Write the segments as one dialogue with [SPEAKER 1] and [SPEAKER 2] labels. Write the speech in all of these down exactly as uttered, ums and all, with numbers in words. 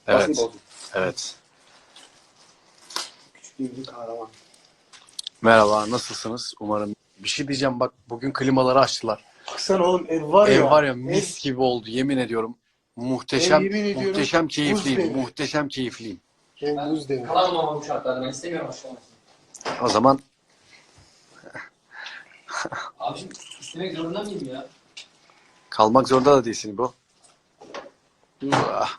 [SPEAKER 1] Evet. Evet.
[SPEAKER 2] Küçük bir kahraman.
[SPEAKER 1] Merhaba, nasılsınız? Umarım. Bir şey diyeceğim bak, bugün klimaları açtılar.
[SPEAKER 2] Baksana oğlum ev var ya.
[SPEAKER 1] Ev var ya
[SPEAKER 2] Ev,
[SPEAKER 1] mis gibi oldu, yemin ediyorum.
[SPEAKER 2] ev
[SPEAKER 1] Muhteşem,
[SPEAKER 2] yemin ediyorum.
[SPEAKER 1] muhteşem
[SPEAKER 2] Buz
[SPEAKER 1] keyifliyim,
[SPEAKER 2] devri.
[SPEAKER 1] muhteşem keyifliyim.
[SPEAKER 2] Ev
[SPEAKER 3] Ben
[SPEAKER 2] buz devri.
[SPEAKER 3] kalamam ama bu şartlarda. Ben istemiyorum aşağıya.
[SPEAKER 1] O zaman
[SPEAKER 3] Abiciğim istemek zorunda mıyım ya?
[SPEAKER 1] kalmak zorunda da değilsin bu. Ah.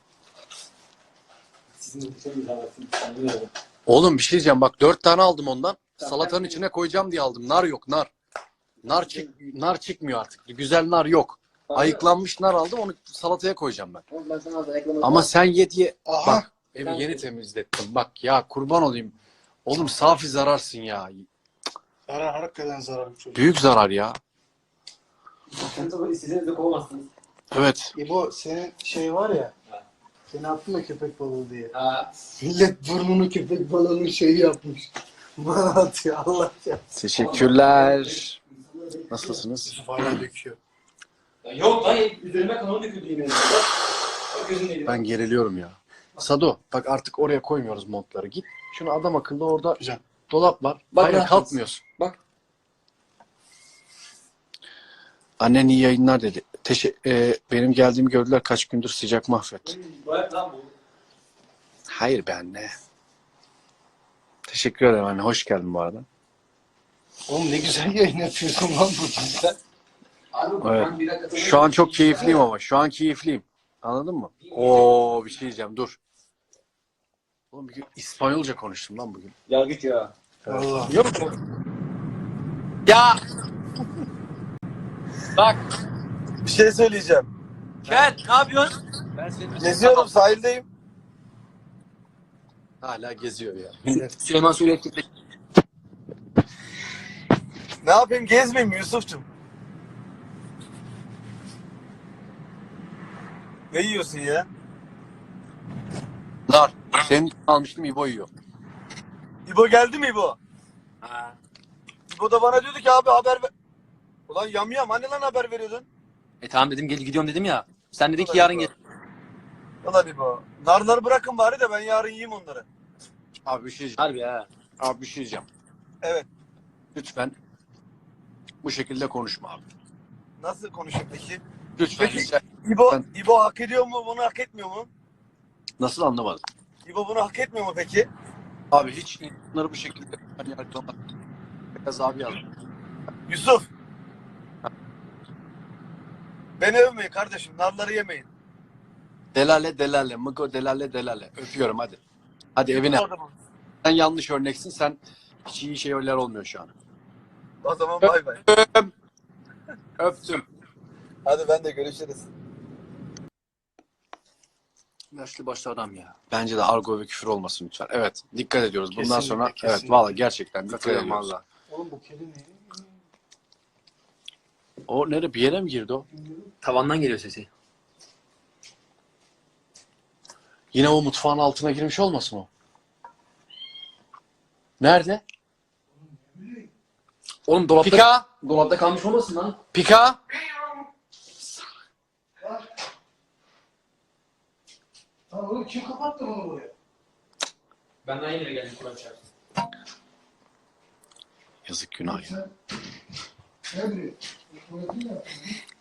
[SPEAKER 3] Sizin de bir zahmetiniz.
[SPEAKER 1] Oğlum bir şey diyeceğim bak, dört tane aldım ondan. Salatanın içine koyacağım diye aldım. Nar yok, nar. Nar çık, nar çıkmıyor artık. Güzel nar yok. Ayıklanmış nar aldım, onu salataya koyacağım ben.
[SPEAKER 3] Ben sana az ayaklamadım.
[SPEAKER 1] Ama sen ye diye.
[SPEAKER 2] Aha.
[SPEAKER 1] Bak evi yeni temizlettim. Bak ya, kurban olayım. Oğlum safi zararsın ya.
[SPEAKER 2] Zarar hakikaten zarar bu çocuk.
[SPEAKER 1] Büyük zarar ya.
[SPEAKER 3] Sen de istediğinizde kovamazsınız.
[SPEAKER 1] Evet.
[SPEAKER 2] İbo senin şey var ya. Seni attım ya köpek balığı diye.
[SPEAKER 3] Ha.
[SPEAKER 2] Millet burnunu köpek balığının şeyi yapmış. Bana atıyor Allah ya.
[SPEAKER 1] Teşekkürler. Nasılsınız?
[SPEAKER 2] Yusuf hala döküyor.
[SPEAKER 3] Ya yok lan üzerime kanı döküldü yemin ederim. Bak, bak gözümdeydi.
[SPEAKER 1] Ben geriliyorum ya. Sado bak, artık oraya koymuyoruz montları. Git şunu adam akıllı, orada
[SPEAKER 2] Güzel.
[SPEAKER 1] dolap var.
[SPEAKER 3] Bak
[SPEAKER 1] Hayır,
[SPEAKER 3] rahatsız.
[SPEAKER 1] kalkmıyorsun.
[SPEAKER 3] Bak.
[SPEAKER 1] Annen iyi yayınlar dedi. Teşe e, benim geldiğimi gördüler, kaç gündür sıcak mahvet.
[SPEAKER 3] Bırak lan bu.
[SPEAKER 1] Hayır be anne. Teşekkür ederim anne. Hoş geldin bu arada.
[SPEAKER 2] Oğlum ne güzel yayın yapıyorsun lan burada sen.
[SPEAKER 3] Abi,
[SPEAKER 1] Evet.
[SPEAKER 3] ben bir dakika
[SPEAKER 1] Şu an çok keyifliyim ama. Şu an keyifliyim. Anladın mı? Oo, bir şey diyeceğim. Dur. Oğlum bir gün İspanyolca konuştum lan bugün.
[SPEAKER 3] Ya git ya.
[SPEAKER 2] Valla.
[SPEAKER 1] Yok mu? Ya! Bak.
[SPEAKER 4] Bir şey söyleyeceğim.
[SPEAKER 3] Ken ne yapıyorsun?
[SPEAKER 1] Ben senin
[SPEAKER 4] Geziyorum, sahildeyim.
[SPEAKER 1] Hala geziyor ya.
[SPEAKER 3] Süleyman Suriye kitle.
[SPEAKER 4] Ne yapayım, gezmeyeyim mi Yusuf'cum? Ne yiyorsun ya?
[SPEAKER 1] Nar. Senin almıştım, İbo yiyor.
[SPEAKER 4] İbo geldi mi İbo?
[SPEAKER 3] Ha.
[SPEAKER 4] İbo da bana diyordu ki abi haber ver. Ulan yamyam, hani lan haber veriyordun?
[SPEAKER 3] E tamam dedim gel gidiyorum dedim ya. Sen dedin ki yarın gel.
[SPEAKER 4] Ulan İbo. Narları bırakın bari de ben yarın yiyeyim onları.
[SPEAKER 1] Abi bir şey diyeceğim.
[SPEAKER 3] Harbi ha.
[SPEAKER 1] Abi bir şey diyeceğim.
[SPEAKER 4] Evet.
[SPEAKER 1] Lütfen bu şekilde konuşma abi.
[SPEAKER 4] Nasıl konuşayım peki?
[SPEAKER 1] Lütfen.
[SPEAKER 4] Peki.
[SPEAKER 1] Sen
[SPEAKER 4] İbo,
[SPEAKER 1] Ben-
[SPEAKER 4] İbo hak ediyor mu, bunu hak etmiyor mu?
[SPEAKER 1] nasıl anlamadın?
[SPEAKER 4] İbo bunu hak etmiyor mu peki?
[SPEAKER 1] Abi hiç bunları bu şekilde hani yargılama. Biraz abi yazdım.
[SPEAKER 4] Yusuf. Beni övmeyin kardeşim, narları yemeyin.
[SPEAKER 1] Delale delale. Mıgo delale delale. Öpüyorum hadi. Hadi evine.
[SPEAKER 4] O zaman,
[SPEAKER 1] Sen yanlış örneksin. Sen hiç iyi şeyler olmuyor şu an.
[SPEAKER 4] o zaman bay bay.
[SPEAKER 1] Öptüm.
[SPEAKER 4] Hadi ben de görüşürüz.
[SPEAKER 1] Yaşlı başlı adam ya. Bence de argo ve küfür olmasın lütfen. Evet. Dikkat ediyoruz. Bundan
[SPEAKER 2] Kesinlikle,
[SPEAKER 1] sonra evet
[SPEAKER 2] kesinlikle.
[SPEAKER 1] valla gerçekten dikkat
[SPEAKER 2] Katılıyorum
[SPEAKER 1] ediyoruz.
[SPEAKER 2] valla. Oğlum bu kedi ne?
[SPEAKER 1] O nereye, bir yere mi girdi o?
[SPEAKER 3] Tavandan geliyor sesi.
[SPEAKER 1] Yine o mutfağın altına girmiş olmasın o? Nerede?
[SPEAKER 3] Oğlum dolapta,
[SPEAKER 1] Pika!
[SPEAKER 3] dolapta kalmış olmasın lan?
[SPEAKER 1] Pika!
[SPEAKER 2] Lan oğlum kim kapattı bunu buraya?
[SPEAKER 3] Ben daha yeni geldim Kur'an çarptım.
[SPEAKER 1] Yazık, günah ya.
[SPEAKER 2] Sen ne biliyorsun? Tuvaletini mi yaptın?